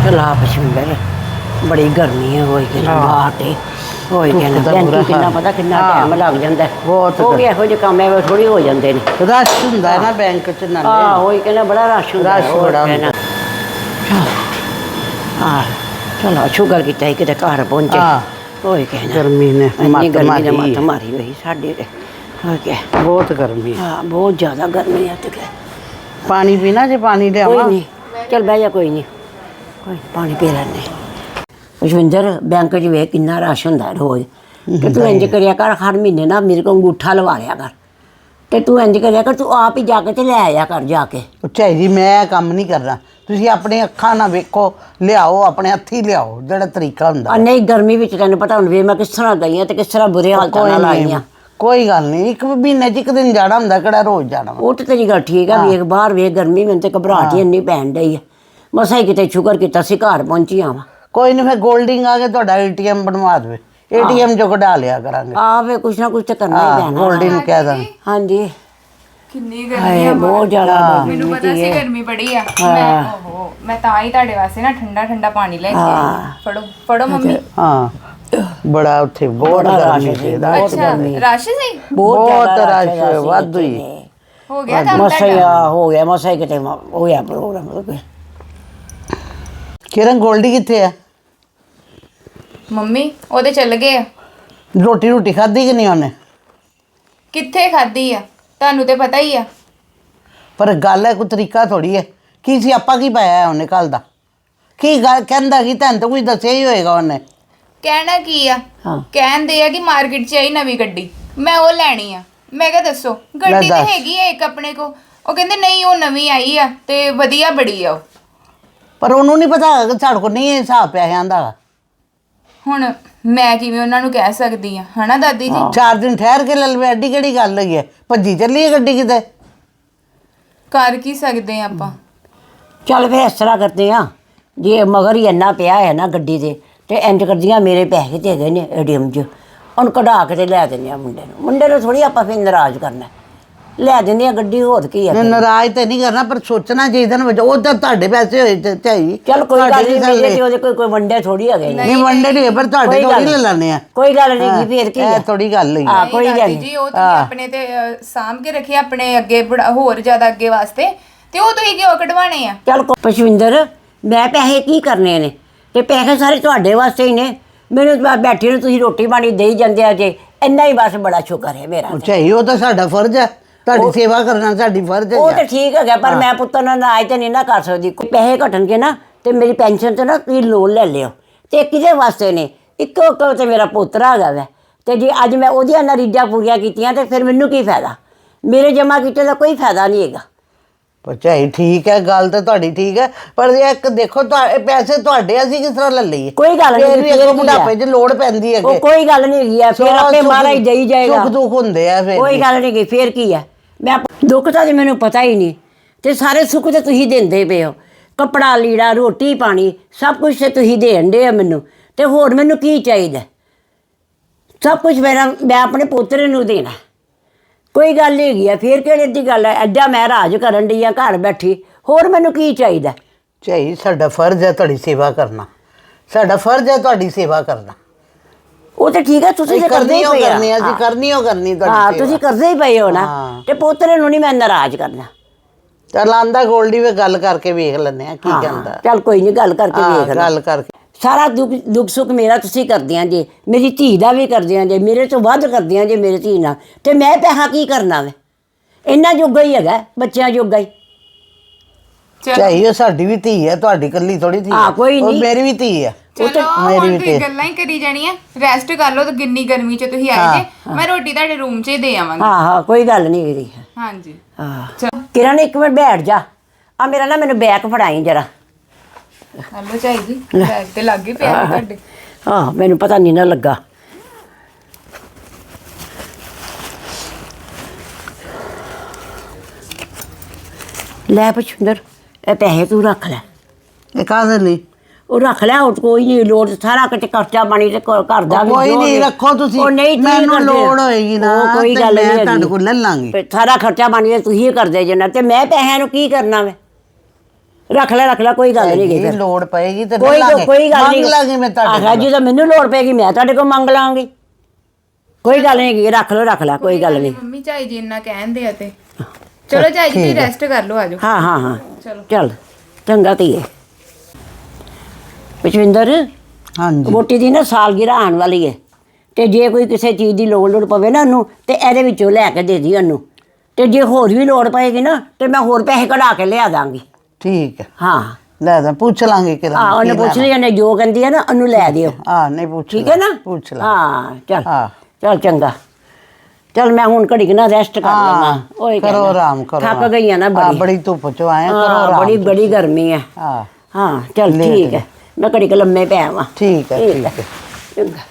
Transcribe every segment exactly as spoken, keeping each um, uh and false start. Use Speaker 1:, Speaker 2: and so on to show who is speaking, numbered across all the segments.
Speaker 1: चला पछुंदर बड़ी गर्मी है होई के बाहर होई के ना बैंक कितना पता कितना टाइम लग जाता है
Speaker 2: बहुत
Speaker 1: हो गया हो जे काम है थोड़ी हो जाते हैं
Speaker 2: रश हुंदा है ना बैंक च नाले
Speaker 1: हां होई के ना बड़ा रश हुंदा
Speaker 2: रश बड़ा हुंदा
Speaker 1: हां चलो शुगर किता है कि घर पहुंचे होई के ना
Speaker 2: गर्मी ने मत मारी
Speaker 1: मत मारी हुई साडे ते हो के
Speaker 2: बहुत गर्मी
Speaker 1: हां बहुत ज्यादा गर्मी है ते
Speaker 2: पानी पीना जे पानी ले आवा
Speaker 1: कोई नहीं चल बह जा कोई नहीं कोई पानी पी लेने पुष्पिंदर बैंक च वे किन्ना रश हुंदा रोज ते तू इंज करिया कर हर महीने ना मेरे को अंगूठा लवा लिया कर ते तू इंज करिया कर तू आप ही जाके ते ले आया कर जाके
Speaker 2: चाही जी मैं काम नहीं करना ਤੁਸੀਂ ਆਪਣੇ ਅੱਖਾਂ ਨਾਲ ਵੇਖੋ ਲਿਆਓ ਆਪਣੇ ਹੱਥੀ ਲਿਆਓ ਜਿਹੜਾ ਤਰੀਕਾ ਹੁੰਦਾ
Speaker 1: ਨਹੀਂ ਗਰਮੀ ਵਿੱਚ ਤੈਨੂੰ ਪਤਾ ਹੁਣ ਵੇ ਮੈਂ ਕਿਸ ਤਰ੍ਹਾਂ ਗਈ ਆ ਤੇ ਕਿਸ ਤਰ੍ਹਾਂ ਬੁਰੇ ਹਾਲਤਾਂ ਨਾਲ ਆਈ ਆ
Speaker 2: ਕੋਈ ਗੱਲ ਨਹੀਂ ਇੱਕ ਮਹੀਨੇ ਚ ਇੱਕ ਦਿਨ ਜਾਣਾ ਹੁੰਦਾ ਕਿਹੜਾ ਰੋਜ਼ ਜਾਣਾ
Speaker 1: ਉਹ ਤੇ ਤੇਰੀ ਗੱਲ ਠੀਕ ਆ ਵੇਖ ਬਾਹਰ ਵੇਖ ਗਰਮੀ ਮੈਨੂੰ ਤੇ ਘਬਰਾਹਟ ਹੀ ਇੰਨੀ ਪੈਣ ਡਈ ਆ ਮਸਾਂ ਹੀ ਕਿਤੇ ਸ਼ੁਕਰ ਕੀਤਾ ਸੀ ਘਰ ਪਹੁੰਚੀ ਆਵਾਂ
Speaker 2: ਕੋਈ ਨਹੀਂ ਫਿਰ ਗੋਲਡਿੰਗ ਆ ਕੇ ਤੁਹਾਡਾ ਏਟੀਐਮ ਬਣਵਾ ਦੇਵੇ ਏਟੀਐਮ ਚੋਂ ਕਢਾ ਲਿਆ ਕਰਾਂਗੇ
Speaker 1: ਆ ਵੇ ਕੁਛ ਨਾ ਕੁਛ ਤੇ ਕਰਨਾ ਹੀ ਪੈਣਾ
Speaker 2: ਗੋਲਡਿੰਗ ਕਹਿ ਦਾਂ
Speaker 1: ਹਾਂਜੀ
Speaker 3: ਕਿੰਨੀ ਗਰਮੀ ਆ
Speaker 1: ਬਹੁਤ ਜ਼ਿਆਦਾ
Speaker 3: ਮੈਨੂੰ ਪਤਾ ਸੀ ਗਰਮੀ ਬੜੀ ਆ ਮੈਂ ਓਹੋ ਮੈਂ ਤਾਂ ਹੀ ਤੁਹਾਡੇ ਵਾਸਤੇ ਨਾ ਠੰਡਾ ਠੰਡਾ ਪਾਣੀ ਲੈ ਕੇ ਆਈ ਫੜੋ ਫੜੋ ਮੰਮੀ
Speaker 2: ਹਾਂ ਬੜਾ ਉੱਥੇ ਬਹੁਤ ਗਰਮੀ ਸੀ
Speaker 3: ਅੱਛਾ ਰਸ਼ ਸੀ
Speaker 2: ਬਹੁਤ ਰਸ਼ ਵਾਧੂ ਹੀ
Speaker 3: ਹੋ ਗਿਆ ਤਾਂ
Speaker 1: ਮਸਾ ਹੋ ਗਿਆ ਮਸਾ ਕਿਤੇ ਹੋ ਗਿਆ ਪ੍ਰੋਗਰਾਮ
Speaker 2: ਕਿਰਨ ਗੋਲਡੀ ਕਿੱਥੇ ਆ
Speaker 3: ਮੰਮੀ ਉਹਦੇ ਚੱਲ ਗਏ ਆ
Speaker 2: ਰੋਟੀ ਰੋਟੀ ਖਾਧੀ ਕਿ ਨਹੀਂ ਉਹਨੇ
Speaker 3: ਕਿੱਥੇ ਖਾਧੀ ਆ ਤੁਹਾਨੂੰ ਤੇ ਪਤਾ ਹੀ ਆ
Speaker 2: ਪਰ ਗੱਲ ਹੈ ਕੋਈ ਤਰੀਕਾ ਥੋੜੀ ਹੈ ਕੀ ਸੀ ਆਪਾਂ ਕੀ ਪਾਇਆ ਉਹਨੇ ਕੱਲ ਦਾ ਕੀ ਗੱਲ ਕਹਿੰਦਾ ਕਿ ਤੈਨੂੰ ਤਾਂ ਕੁਝ ਦੱਸਿਆ ਹੀ ਹੋਏਗਾ ਉਹਨੇ
Speaker 3: ਕਹਿਣਾ ਕੀ ਆ ਕਹਿੰਦੇ ਆ ਕਿ ਮਾਰਕੀਟ 'ਚ ਆਈ ਨਵੀਂ ਗੱਡੀ ਮੈਂ ਉਹ ਲੈਣੀ ਆ ਮੈਂ ਕਿਹਾ ਦੱਸੋ ਗੱਡੀ ਤੇ ਹੈਗੀ ਆ ਇੱਕ ਆਪਣੇ ਕੋ ਉਹ ਕਹਿੰਦੇ ਨਹੀਂ ਉਹ ਨਵੀਂ ਆਈ ਆ ਤੇ ਵਧੀਆ ਬੜੀ ਆ ਉਹ
Speaker 2: ਪਰ ਉਹਨੂੰ ਨਹੀਂ ਪਤਾ ਕਿ ਸਾਡੇ ਕੋਲ ਨਹੀਂ ਹਿਸਾਬ ਪੈਸਿਆਂ ਦਾ
Speaker 3: ਹੁਣ ਮੈਂ ਕਿਵੇਂ ਉਹਨਾਂ ਨੂੰ ਕਹਿ ਸਕਦੀ ਆ ਹਨਾ ਦਾਦੀ ਜੀ
Speaker 2: ਚਾਰ ਦਿਨ ਠਹਿਰ ਕੇ ਲੈ ਲਵੇ ਐਡੀ ਕਿਹੜੀ ਗੱਲ ਹੈਗੀ ਹੈ ਭੱਜੀ ਚੱਲੀ ਹੈ ਗੱਡੀ ਕਿਤੇ
Speaker 3: ਕਰ ਕੀ ਸਕਦੇ ਆ ਆਪਾਂ
Speaker 1: ਚੱਲ ਫਿਰ ਇਸ ਤਰ੍ਹਾਂ ਕਰਦੇ ਆ ਜੇ ਮਗਰ ਹੀ ਇੰਨਾ ਪਿਆ ਹੈ ਨਾ ਗੱਡੀ ਦੇ ਤੇ ਇੰਜ ਕਰਦੀਆਂ ਮੇਰੇ ਪੈਸੇ ਤੇ ਹੈਗੇ ਨੇ ਏਟੀਐਮ 'ਚ ਉਹਨੂੰ ਕਢਾ ਕੇ ਤੇ ਲੈ ਦਿੰਦੇ ਆ ਮੁੰਡੇ ਨੂੰ ਮੁੰਡੇ ਨੂੰ ਥੋੜੀ ਆਪਾਂ ਫਿਰ ਨਾਰਾਜ਼ ਕਰਨਾ ਲੈ ਦਿੰਦੇ ਆ ਗੱਡੀ ਹੋਰ ਕੀ ਆ
Speaker 2: ਨਾਰਾਜ਼ ਤੇ ਨਹੀਂ ਕਰਨਾ ਪਰ ਸੋਚਣਾ ਚਾਹੀਦਾ ਨਾ ਉਹ ਤਾਂ ਤੁਹਾਡੇ ਪੈਸੇ ਹੋਏ ਤੇ ਚਾਹੀ
Speaker 1: ਚੱਲ ਕੋਈ ਗੱਲ ਨਹੀਂ ਮੇਰੇ ਤੇ ਉਹਦੇ ਕੋਈ ਕੋਈ ਵੰਡੇ ਥੋੜੀ ਹੈਗੇ
Speaker 2: ਨਹੀਂ ਵੰਡੇ ਨਹੀਂ ਪਰ ਤੁਹਾਡੇ ਥੋੜੀ ਲੈ ਲੈਣੇ ਆ
Speaker 1: ਕੋਈ ਗੱਲ ਨਹੀਂ ਫੇਰ ਕੀ
Speaker 2: ਇਹ ਥੋੜੀ ਗੱਲ ਹੈ
Speaker 1: ਹਾਂ ਕੋਈ ਗੱਲ
Speaker 3: ਜੀ ਉਹ ਤੁਸੀਂ ਆਪਣੇ ਤੇ ਸਾਂਭ ਕੇ ਰੱਖਿਆ ਆਪਣੇ ਅੱਗੇ ਹੋਰ ਜ਼ਿਆਦਾ ਅੱਗੇ ਵਾਸਤੇ ਤੇ ਉਹ ਤੁਸੀਂ ਕਿਉਂ ਕਢਵਾਣੇ ਆ
Speaker 1: ਚੱਲ ਪੁਸ਼ਪਿੰਦਰ ਮੈਂ ਪੈਸੇ ਕੀ ਕਰਨੇ ਨੇ ਤੇ ਪੈਸੇ ਸਾਰੇ ਤੁਹਾਡੇ ਵਾਸਤੇ ਹੀ ਨੇ ਮੈਨੂੰ ਬੈਠੇ ਨੂੰ ਤੁਸੀਂ ਰੋਟੀ ਪਾਣੀ ਦੇਈ ਜਾਂਦੇ ਆ ਜੇ ਇੰਨਾ ਹੀ ਬਸ ਬੜਾ ਸ਼ੁਕਰ ਹੈ ਮੇਰਾ
Speaker 2: ਚਾਹੀ ਉਹ ਤਾਂ ਸਾਡਾ ਫਰਜ਼ ਹੈ ਤੁਹਾਡੀ ਸੇਵਾ ਕਰਨਾ ਸਾਡੀ ਫਰਜ਼ ਹੈ
Speaker 1: ਉਹ ਤਾਂ ਠੀਕ ਹੈਗਾ ਪਰ ਮੈਂ ਪੁੱਤਰ ਨਾਲ ਅੱਜ ਤੇ ਨਹੀਂ ਨਾ ਕਰ ਸਕਦੀ ਕੋਈ ਪੈਸੇ ਘਟਣਗੇ ਨਾ ਤੇ ਮੇਰੀ ਪੈਨਸ਼ਨ ਤੇ ਨਾ ਤੁਸੀਂ ਲੋਨ ਲੈ ਲਿਓ ਤੇ ਕਿਹਦੇ ਵਾਸਤੇ ਨੇ ਇੱਕੋ ਇੱਕੋ ਤੇ ਮੇਰਾ ਪੁੱਤਰ ਹੈਗਾ ਵੈ ਤੇ ਜੇ ਅੱਜ ਮੈਂ ਉਹਦੀਆਂ ਨਾ ਰੀਝਾਂ ਪੂਰੀਆਂ ਕੀਤੀਆਂ ਤੇ ਫਿਰ ਮੈਨੂੰ ਕੀ ਫਾਇਦਾ ਮੇਰੇ ਜਮ੍ਹਾਂ ਕੀਤੇ ਦਾ ਕੋਈ ਫਾਇਦਾ ਨਹੀਂ ਹੈਗਾ
Speaker 2: ਪਰ ਚਾਹੀ ਠੀਕ ਹੈ ਗੱਲ ਤਾਂ ਤੁਹਾਡੀ ਠੀਕ ਹੈ ਪਰ ਇੱਕ ਦੇਖੋ ਪੈਸੇ ਤੁਹਾਡੇ ਅਸੀਂ ਕਿਸ ਤਰ੍ਹਾਂ ਲੈ ਲਈਏ
Speaker 1: ਕੋਈ ਗੱਲ ਨਹੀਂ
Speaker 2: ਫਿਰ ਬੁਢਾਪੇ 'ਚ ਲੋੜ ਪੈਂਦੀ ਹੈ
Speaker 1: ਉਹ ਕੋਈ ਗੱਲ ਨਹੀਂ ਹੈਗੀ ਆ ਫਿਰ ਆਪੇ ਮਹਾਰਾਜ ਦੇਈ ਜਾਏਗਾ
Speaker 2: ਸੁੱਖ ਦੁੱਖ ਹੁੰਦੇ ਆ ਫਿਰ
Speaker 1: ਕੋਈ ਗੱਲ ਨਹੀਂ ਫਿਰ ਕੀ ਹੈ ਮੈਂ ਦੁੱਖ ਤਾਂ ਜੀ ਮੈਨੂੰ ਪਤਾ ਹੀ ਨਹੀਂ ਤੇ ਸਾਰੇ ਸੁੱਖ ਤੇ ਤੁਸੀਂ ਦਿੰਦੇ ਪਏ ਹੋ ਕੱਪੜਾ ਲੀੜਾ ਰੋਟੀ ਪਾਣੀ ਸਭ ਕੁਝ ਤੇ ਤੁਸੀਂ ਦੇਣ ਦੇ ਆ ਮੈਨੂੰ ਤੇ ਹੋਰ ਮੈਨੂੰ ਕੀ ਚਾਹੀਦਾ ਸਭ ਕੁਝ ਮੇਰਾ ਮੈਂ ਆਪਣੇ ਪੋਤਰੇ ਨੂੰ ਦੇਣਾ ਕੋਈ ਗੱਲ ਨਹੀਂ ਹੈਗੀ ਆ ਫਿਰ ਕਿਹੜੀ ਦੀ ਗੱਲ ਹੈ ਐਡਾ ਮੈਂ ਰਾਜ ਕਰਨ ਡਈ ਆ ਘਰ ਬੈਠੀ ਹੋਰ ਮੈਨੂੰ ਕੀ ਚਾਹੀਦਾ
Speaker 2: ਚਾਹੀ ਸਾਡਾ ਫਰਜ਼ ਹੈ ਤੁਹਾਡੀ ਸੇਵਾ ਕਰਨਾ ਸਾਡਾ ਫਰਜ਼ ਹੈ ਤੁਹਾਡੀ ਸੇਵਾ ਕਰਨਾ ਉਹ
Speaker 1: ਤਾਂ ਠੀਕ ਹੈ ਤੁਸੀਂ ਕਰਦੇ ਹੀ ਪਏ
Speaker 2: ਆ ਅਸੀਂ ਕਰਨੀ ਹੋ ਕਰਨੀ ਤੁਹਾਡੀ
Speaker 1: ਹਾਂ ਤੁਸੀਂ ਕਰਦੇ ਹੀ ਪਏ ਹੋ ਨਾ ਤੇ ਪੋਤਰੇ ਨੂੰ ਨਹੀਂ ਮੈਂ ਨਾਰਾਜ਼ ਕਰਨਾ
Speaker 2: ਚੱਲ ਆਂਦਾ ਗੋਲਡੀ ਵੇ ਗੱਲ ਕਰਕੇ ਵੇਖ ਲੈਂਦੇ ਆ ਕੀ ਕਹਿੰਦਾ
Speaker 1: ਚੱਲ ਕੋਈ ਨਹੀਂ ਗੱਲ ਕਰਕੇ ਵੇਖ
Speaker 2: ਗੱਲ ਕਰਕੇ
Speaker 1: ਸਾਰਾ ਦੁੱਖ ਦੁੱਖ ਸੁੱਖ ਮੇਰਾ ਤੁਸੀਂ ਕਰਦੇ ਆਂ ਜੇ ਮੇਰੀ ਧੀ ਦਾ ਵੀ ਕਰਦੇ ਆਂ ਜੇ ਮੇਰੇ ਤੋਂ ਵੱਧ ਕਰਦੇ ਆਂ ਜੇ ਮੇਰੀ ਧੀ ਨਾਲ ਤੇ ਮੈਂ ਪੈਸਾ ਕੀ ਕਰਨਾ ਵੇ ਇੰਨਾ ਜੋਗਾ ਹੀ ਹੈਗਾ ਬੱਚਿਆਂ ਜੋਗਾ ਹੀ
Speaker 2: ਚਾਹੀ ਉਹ ਸਾਡੀ ਵੀ ਧੀ ਹੈ ਤੁਹਾਡੀ ਇਕੱਲੀ ਥੋੜੀ ਧੀ
Speaker 1: ਹਾਂ ਕੋਈ ਨਹੀਂ
Speaker 2: ਮੇਰੀ ਵੀ ਧੀ ਹੈ
Speaker 3: ਚਲੋ ਹੁਣ ਤੁਸੀਂ ਗੱਲਾਂ ਹੀ ਕਰੀ ਜਾਣੀਆਂ ਰੈਸਟ ਕਰ ਲਓ ਤੇ ਕਿੰਨੀ ਗਰਮੀ 'ਚ ਤੁਸੀਂ ਆਏ ਜੇ ਮੈਂ ਰੋਟੀ ਤੁਹਾਡੇ ਰੂਮ 'ਚ ਹੀ ਦੇ ਆਵਾਂਗੀ
Speaker 1: ਹਾਂ ਹਾਂ ਕੋਈ ਗੱਲ ਨਹੀਂ ਇਹਦੀ
Speaker 3: ਹਾਂਜੀ
Speaker 1: ਹਾਂ ਕਿਰਨ ਇੱਕ ਮਿੰਟ ਬੈਠ ਜਾ ਆ ਮੇਰਾ ਨਾ ਮੈਨੂੰ ਬੈਗ ਫੜਾਈ ਜਰਾ
Speaker 3: ਹਲੋ ਚਾਹੀਦੀ ਬੈਗ ਤੇ ਲੱਗ ਹੀ ਪਿਆ ਤੁਹਾਡੇ
Speaker 1: ਹਾਂ ਮੈਨੂੰ ਪਤਾ ਨਹੀਂ ਨਾ ਲੱਗਾ ਲੈ ਪੁਸ਼ਪਿੰਦਰ ਇਹ ਪੈਸੇ ਤੂੰ ਰੱਖ ਲੈ
Speaker 2: ਇਹ ਕਾਹਦੇ ਲਈ
Speaker 1: ਉਹ ਰੱਖ ਲੈ ਉਹ ਕੋਈ ਨਹੀਂ ਲੋੜ ਸਾਰਾ ਕਿਤੇ ਖਰਚਾ ਪਾਣੀ ਤੇ ਘਰ ਦਾ ਵੀ
Speaker 2: ਕੋਈ ਨਹੀਂ ਰੱਖੋ ਤੁਸੀਂ ਮੈਨੂੰ ਲੋੜ ਹੋਏਗੀ ਨਾ
Speaker 1: ਕੋਈ ਗੱਲ ਨਹੀਂ
Speaker 2: ਮੈਂ ਤੁਹਾਡੇ ਕੋਲ ਲੈ ਲਾਂਗੀ
Speaker 1: ਸਾਰਾ ਖਰਚਾ ਪਾਣੀ ਤੇ ਤੁਸੀਂ ਹੀ ਕਰਦੇ ਜੇ ਨਾ ਤੇ ਮੈਂ ਪੈਸਿਆਂ ਨੂੰ ਕੀ ਕਰਨਾ ਵੇ ਰੱਖ ਲੈ ਰੱਖ ਲੈ ਕੋਈ ਗੱਲ ਨਹੀਂ
Speaker 2: ਜੇ ਲੋੜ ਪਏਗੀ ਤੇ ਲੈ
Speaker 1: ਕੋਈ
Speaker 2: ਲਾਂਗੇ
Speaker 1: ਕੋਈ ਗੱਲ ਨਹੀਂ
Speaker 2: ਮੰਗ ਲਾਂਗੀ ਮੈਂ ਤੁਹਾਡੇ
Speaker 1: ਆਖਿਆ ਜਦੋਂ ਮੈਨੂੰ ਲੋੜ ਪੈਗੀ ਮੈਂ ਤੁਹਾਡੇ ਕੋਲ ਮੰਗ ਲਾਂਗੀ ਕੋਈ ਗੱਲ ਨਹੀਂ ਰੱਖ ਲਓ ਰੱਖ ਲੈ ਕੋਈ ਗੱਲ ਨਹੀਂ
Speaker 3: ਮੰਮੀ ਝਾਈ ਜੀ ਇੰਨਾ ਕਹਿੰਦੇ ਆ ਤੇ ਚਲੋ ਝਾਈ ਜੀ ਤੁਸੀਂ ਰੈਸਟ ਕਰ ਲਓ ਆਜੋ
Speaker 1: ਹਾਂ ਹਾਂ ਹਾਂ
Speaker 3: ਚਲੋ
Speaker 1: ਚੱਲ ਚੰਗਾ ਧੀਏ ਵਿਸ਼ਵਿੰਦਰ
Speaker 2: ਹਾਂਜੀ
Speaker 1: ਵੋਟੀ ਦੀ ਨਾ ਸਾਲਗਿਰਾ ਆਉਣ ਵਾਲੀ ਹੈ ਤੇ ਜੇ ਕੋਈ ਕਿਸੇ ਚੀਜ਼ ਦੀ ਲੋੜ ਲੋੜ ਪਵੇ ਨਾ ਉਹਨੂੰ ਤੇ ਇਹਦੇ ਵਿੱਚੋਂ ਲੈ ਕੇ ਦੇ ਦੀ ਉਹਨੂੰ ਤੇ ਜੇ ਹੋਰ ਵੀ ਲੋੜ ਪਏਗੀ ਨਾ ਤੇ ਮੈਂ ਹੋਰ ਪੈਸੇ ਕਢਾ ਕੇ ਲਿਆ ਦਾਂਗੀ
Speaker 2: ਠੀਕ ਹੈ
Speaker 1: ਹਾਂ
Speaker 2: ਲੈ ਦਾਂ ਪੁੱਛ ਲਾਂਗੇ ਕਿ
Speaker 1: ਹਾਂ ਉਹਨੇ ਪੁੱਛ ਲਿਆ ਨੇ ਜੋ ਕਹਿੰਦੀ ਹੈ ਨਾ ਉਹਨੂੰ ਲੈ ਦਿਓ
Speaker 2: ਹਾਂ ਨਹੀਂ ਪੁੱਛ
Speaker 1: ਠੀਕ ਹੈ ਨਾ
Speaker 2: ਪੁੱਛ ਲਾ
Speaker 1: ਹਾਂ ਚੱਲ
Speaker 2: ਹਾਂ।
Speaker 1: ਚੱਲ ਚੰਗਾ ਚੱਲ ਮੈਂ ਹੁਣ ਘੜੀ ਕੁ ਨਾ ਰੈਸਟ ਕਰ ਲਵਾਂ ਓਏ
Speaker 2: ਕਰੋ ਆਰਾਮ ਕਰੋ
Speaker 1: ਥੱਕ ਗਈ ਆ ਨਾ
Speaker 2: ਹਾਂ,
Speaker 1: ਬੜੀ
Speaker 2: ਬੜੀ ਧੁੱਪ ਚ ਆਏ ਕਰੋ
Speaker 1: ਹਾਂ,
Speaker 2: ਆਰਾਮ
Speaker 1: ਬੜੀ ਬੜੀ ਗਰਮੀ ਹੈ
Speaker 2: ਹਾਂ
Speaker 1: ਹਾਂ ਚੱਲ
Speaker 2: ਲੇਟ
Speaker 1: ਠੀਕ ਹੈ ਮੈਂ ਘੜੀ ਕੁ ਲੰਮੇ ਪੈ ਆਵਾਂ
Speaker 2: ਠੀਕ ਹੈ ਠੀਕ ਹੈ
Speaker 1: ਚੰਗਾ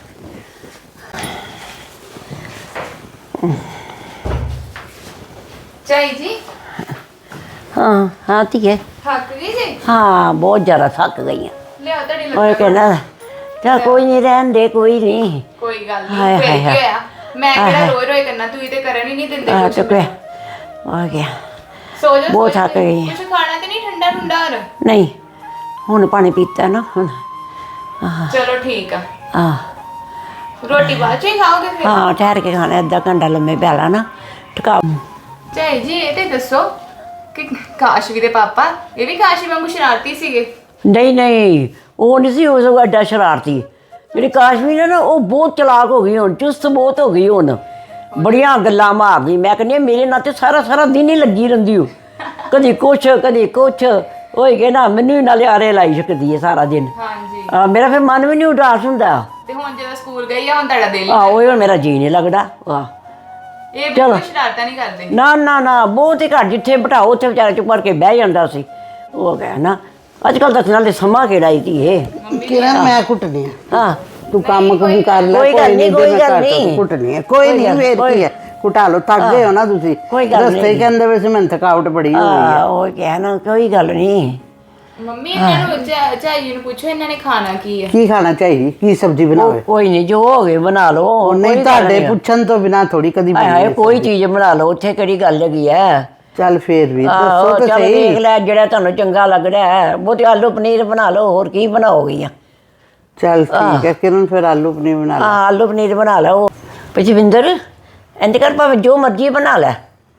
Speaker 3: ਝਾਈ ਜੀ
Speaker 1: ਹਾਂ ਹਾਂ ਧੀਏ
Speaker 3: ਥੱਕ ਗਈ ਜੀ
Speaker 1: ਹਾਂ ਬਹੁਤ ਜ਼ਿਆਦਾ ਥੱਕ ਗਈ ਆ
Speaker 3: ਲਿਆਓ ਤੁਹਾਡੀ
Speaker 1: ਓਏ
Speaker 3: ਲੱਤਾਂ
Speaker 1: ਕਹਿੰਦਾ ਚੱਲ ਕੋਈ ਨਹੀਂ ਰਹਿਣ ਦੇ ਕੋਈ ਨਹੀਂ
Speaker 3: ਕੋਈ ਗੱਲ
Speaker 1: ਹਾਏ,
Speaker 3: ਨਹੀਂ
Speaker 1: ਹਾਏ,
Speaker 3: ਫੇਰ ਕੀ
Speaker 1: ਹਾਏ।
Speaker 3: ਹੋਇਆ ਮੈਂ
Speaker 1: ਹਾਏ,
Speaker 3: ਕਿਹੜਾ
Speaker 1: ਹਾਏ।
Speaker 3: ਰੋਜ਼ ਰੋਜ਼ ਕਰਨਾ ਤੁਸੀਂ ਤੇ ਕਰਨ ਹੀ ਨਹੀਂ ਦਿੰਦੇ
Speaker 1: ਆ
Speaker 3: ਕੁਛ
Speaker 1: ਚੁੱਕੇ ਆ ਗਿਆ
Speaker 3: ਸੋ ਜਾ
Speaker 1: ਬਹੁਤ ਥੱਕ ਗਈ ਹਾਂ।
Speaker 3: ਕੁਝ ਖਾਣਾ ਤੇ ਨਹੀਂ ਠੰਡਾ ਠੰਡਾ ਹੋਰ
Speaker 1: ਨਹੀਂ ਹੁਣ ਪਾਣੀ ਪੀਤਾ ਨਾ ਹੁਣ
Speaker 3: ਚਲੋ ਠੀਕ ਆ
Speaker 1: ਆ
Speaker 3: ਰੋਟੀ ਬਾਅਦ ਚ ਹੀ ਖਾਓਗੇ ਫਿਰ
Speaker 1: ਹਾਂ ਠਹਿਰ ਕੇ ਖਾਣਾ ਅੱਧਾ ਘੰਟਾ ਲੰਮੇ ਪੈ ਲਾ ਨਾ ਟਿਕਾ
Speaker 3: ਝਾਈ ਜੀ ਇਹ ਤੇ ਦੱਸੋ ਕਿ ਕਾਸ਼ਵੀ ਦੇ ਪਾਪਾ ਇਹ ਵੀ ਕਾਸ਼ਵੀ ਵਾਂਗੂ ਸ਼ਰਾਰਤੀ ਸੀਗੇ
Speaker 1: ਨਹੀਂ ਨਹੀਂ ਉਹ ਨਹੀਂ ਸੀ ਉਹ ਸਗੋਂ ਐਡਾ ਸ਼ਰਾਰਤੀ ਜਿਹੜੀ ਕਾਸ਼ਮੀਰ ਹੈ ਨਾ ਉਹ ਬਹੁਤ ਚਲਾਕ ਹੋ ਗਈ ਹੁਣ ਚੁਸਤ ਬਹੁਤ ਹੋ ਗਈ ਹੁਣ ਬੜੀਆਂ ਗੱਲਾਂ ਮਾਰਦੀ ਮੈਂ ਕਹਿੰਦੀ ਹਾਂ, ਮੇਰੇ ਨਾਲ ਤੇ ਸਾਰਾ ਸਾਰਾ ਦਿਨ ਹੀ ਲੱਗੀ ਰਹਿੰਦੀ ਉਹ ਕਦੀ ਕੁਛ ਕਦੀ ਕੁਛ ਹੋਈ ਗਏ ਨਾ ਮੈਨੂੰ ਹੀ ਨਾਲੇ ਆਰੇ ਲਾਈ ਸਕਦੀ ਹੈ ਸਾਰਾ ਦਿਨ
Speaker 3: ਹਾਂਜੀ
Speaker 1: ਆ ਮੇਰਾ ਫਿਰ ਮਨ ਵੀ ਨਹੀਂ ਉਦਾਸ ਹੁੰਦਾ
Speaker 3: ਤੇ ਹੁਣ ਜਦੋਂ ਸਕੂਲ ਗਈ ਆ ਹੁਣ ਤੁਹਾਡਾ ਦਿਲ
Speaker 1: ਆ ਉਹ ਮੇਰਾ ਜੀ ਨਹੀਂ ਲੱਗਦਾ ਵਾਹ
Speaker 3: ਇਹ ਬਿਲਕੁਲ ਸ਼ਰਾਰਤਾਂ ਨਹੀਂ ਕਰਦੇ
Speaker 1: ਨਾ ਨਾ ਨਾ ਬਹੁਤ ਹੀ ਘੱਟ ਜਿੱਥੇ ਬਿਠਾਓ ਉੱਥੇ ਵਿਚਾਰਾ ਚੁੱਪ ਕਰਕੇ ਬਹਿ ਜਾਂਦਾ ਸੀ ਉਹ ਗਿਆ ਨਾ ਅੱਜ ਕੱਲ੍ਹ ਤਾਂ ਨਾਲੇ ਸਮਾਂ ਕਿਹੜਾ ਹੀ ਧੀਏ
Speaker 2: ਕਿਰਨ ਮੈਂ ਕੁੱਟਣੀ ਆ
Speaker 1: ਹਾਂ
Speaker 2: ਤੂੰ ਕੰਮ ਕੁਮ ਕਰ ਲੈ
Speaker 1: ਕੋਈ ਗੱਲ ਨਹੀਂ,
Speaker 2: ਤੇ
Speaker 1: ਕੋਈ
Speaker 2: ਮੈਂ
Speaker 1: ਗੱਲ
Speaker 2: ਘਰ ਤੋਂ
Speaker 1: ਨਹੀਂ।
Speaker 2: ਕੁੱਟਣੀ ਹੈ ਕੋਈ ਨਹੀਂ ਫੇਰ ਕੀ ਹੈ ਕੁਟਾ ਲੋ ਥੱਕ ਗਏ ਹੋ ਨਾ ਤੁਸੀਂ
Speaker 1: ਕੋਈ ਗੱਲ
Speaker 2: ਰਸਤੇ
Speaker 1: ਨਹੀਂ।
Speaker 2: ਕਹਿੰਦੇ ਵੈਸੇ ਮੈਨੂੰ ਥਕਾਵਟ ਬੜੀ ਹੋ ਗਈ
Speaker 1: ਆ ਉਹ ਕਿਹਾ ਨਾ ਕੋਈ ਗੱਲ ਨਹੀਂ
Speaker 3: ਮੰਮੀ ਇਹਨਾਂ ਨੂੰ ਝਾ- ਝਾਈ ਜੀ ਨੂੰ ਪੁੱਛੋ ਇਹਨਾਂ ਨੇ ਖਾਣਾ ਕੀ ਹੈ
Speaker 2: ਕੀ ਖਾਣਾ ਚਾਹੀਦੀ ਕੀ ਸਬਜ਼ੀ ਬਣਾਵੇ
Speaker 1: ਕੋਈ ਨਹੀਂ ਜੋ ਹੋ ਗਏ ਬਣਾ ਲਓ
Speaker 2: ਉਹ ਨਹੀਂ
Speaker 1: ਕੋਈ ਗੱਲ
Speaker 2: ਤੁਹਾਡੇ
Speaker 1: ਨਹੀਂ।
Speaker 2: ਪੁੱਛਣ ਤੋਂ ਬਿਨਾ ਥੋੜੀ ਕਦੀ
Speaker 1: ਹਾਏ ਹਾਏ
Speaker 2: ਬਣਦੀ
Speaker 1: ਕੋਈ ਚੀਜ਼ ਬਣਾ ਲਓ ਉੱਥੇ ਕਿਹੜੀ ਗੱਲ ਹੈਗੀ ਐ
Speaker 2: ਚੱਲ ਫੇਰ ਵੀ
Speaker 1: ਆਹੋ
Speaker 2: ਦੱਸੋ ਤਾਂ
Speaker 1: ਚੱਲ
Speaker 2: ਸਹੀ
Speaker 1: ਦੇਖ ਲੈ ਜਿਹੜਾ ਤੁਹਾਨੂੰ ਚੰਗਾ ਲੱਗਦਾ ਹੈ ਬਹੁਤੇ ਆਲੂ ਪਨੀਰ ਬਣਾ ਲਓ ਹੋਰ ਕੀ ਬਣਾਓਗੀਆਂ
Speaker 2: ਚੱਲ ਠੀਕ ਹੈ ਕਿਰਨ ਫਿਰ ਆਲੂ ਪਨੀਰ ਬਣਾ
Speaker 1: ਆ
Speaker 2: ਲੈ
Speaker 1: ਆਲੂ ਪਨੀਰ ਬਣਾ ਲਓ ਪਜਵਿੰਦਰ ਇੰਜ ਕਰ ਭਾਵੇਂ ਜੋ ਮਰਜ਼ੀ ਬਣਾ ਲੈ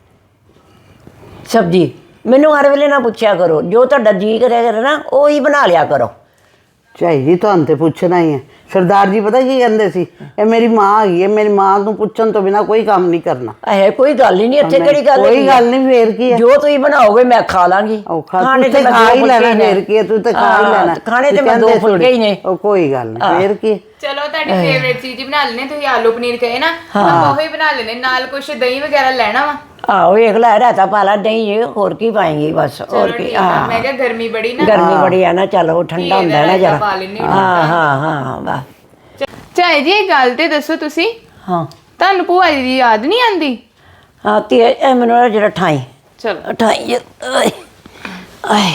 Speaker 1: ਸਬਜ਼ੀ ਮੈਨੂੰ ਹਰ ਵੇਲੇ ਨਾ ਪੁੱਛਿਆ ਕਰੋ ਜੋ ਤੁਹਾਡਾ ਜੀ ਕਰਿਆ ਕਰੇ ਨਾ ਉਹ ਹੀ ਬਣਾ ਲਿਆ ਕਰੋ
Speaker 2: ਚਾਹੀਦੀ ਤੁਹਾਨੂੰ ਤੇ ਪੁੱਛਣਾ ਹੀ ਹੈ ਸਰਦਾਰ ਜੀ ਪਤਾ ਕੀ ਕਹਿੰਦੇ ਸੀ ਇਹ ਮੇਰੀ ਮਾਂ ਹੈਗੀ ਹੈ ਮੇਰੀ ਮਾਂ ਨੂੰ ਪੁੱਛਣ ਤੋਂ ਬਿਨਾ ਕੋਈ ਕੰਮ ਨਹੀਂ ਕਰਨਾ
Speaker 1: ਇਹ ਕੋਈ ਗੱਲ ਹੀ ਨਹੀਂ ਇੱਥੇ ਕਿਹੜੀ ਗੱਲ
Speaker 2: ਕੋਈ
Speaker 1: ਹੈਗੀ ਆ?
Speaker 2: ਗੱਲ ਨਹੀਂ ਫੇਰ ਕੀ ਹੈ
Speaker 1: ਜੋ ਤੁਸੀਂ ਬਣਾਓਗੇ ਮੈਂ ਖਾ ਲਾਂਗੀ
Speaker 2: ਉਹ ਖਾ
Speaker 1: ਖਾਣੇ
Speaker 2: ਤੂੰ ਤੇ
Speaker 1: ਮੈਂ
Speaker 2: ਖਾ
Speaker 1: ਦੋ
Speaker 2: ਹੀ ਲੈਣਾ
Speaker 1: ਫੁਲਕੇ
Speaker 2: ਫੇਰ ਕੀ ਹੈ, ਤੂੰ ਤੇ ਖਾ ਹੀ
Speaker 1: ਹਾਂ,
Speaker 2: ਲੈਣਾ
Speaker 1: ਖਾਣੇ ਤੇ
Speaker 2: ਤੂੰ
Speaker 1: ਮੈਂ ਦੋ
Speaker 2: ਕਹਿੰਦੇ
Speaker 1: ਫੁਲਕੇ ਹੀ ਨੇ
Speaker 2: ਉਹ ਕੋਈ ਗੱਲ ਨਹੀਂ ਫੇਰ ਕੀ
Speaker 3: ਚਲੋ ਤੁਹਾਡੀ ਫੇਵਰੇਟ ਚੀਜ਼ ਹੀ ਬਣਾ ਲੈਣੇ ਤੁਸੀਂ ਆਲੂ ਪਨੀਰ ਕਹੇ ਨਾ ਮੈਂ ਉਹੀ ਬਣਾ ਲੈਣੇ ਨਾਲ ਕੁਛ ਦਹੀਂ ਵਗੈਰਾ ਲੈਣਾ ਵਾ
Speaker 1: ਆਹੋ ਵੇਖ ਲੈ ਰਾਤਾ ਪਾ ਲਾ ਦਹੀਂ ਹੋਰ ਕੀ ਪਾਏਂਗੀ ਬਸ ਹੋਰ
Speaker 3: ਚਲੋ
Speaker 1: ਕੀ
Speaker 3: ਠੀਕ ਆ ਮੈਂ ਕਿਹਾ ਗਰਮੀ ਬੜੀ ਨਾ
Speaker 1: ਗਰਮੀ ਬੜੀ ਆ ਨਾ ਚਲੋ ਠੰਡਾ ਹੁੰਦਾ ਨਾ
Speaker 3: ਰਾਇਤਾ
Speaker 1: ਜਰਾ
Speaker 3: ਪਾ ਲੈਂਦੇ ਹਾਂ,
Speaker 1: ਹਾਂ ਹਾਂ ਹਾਂ ਬਸ
Speaker 3: ਝਾਈ ਜੀ ਇਹ ਗੱਲ ਤੇ ਦੱਸੋ ਤੁਸੀਂ
Speaker 1: ਹਾਂ
Speaker 3: ਤੁਹਾਨੂੰ ਭੂਆ ਜੀ ਦੀ ਯਾਦ ਨਹੀਂ ਆਂਦੀ
Speaker 1: ਹਾਂ ਤੇ ਇਹ ਮੈਨੂੰ ਨਾ ਜਿਹੜਾ ਠਾਈ
Speaker 3: ਚਲੋ
Speaker 1: ਠਾਈ ਓਏ ਆਏ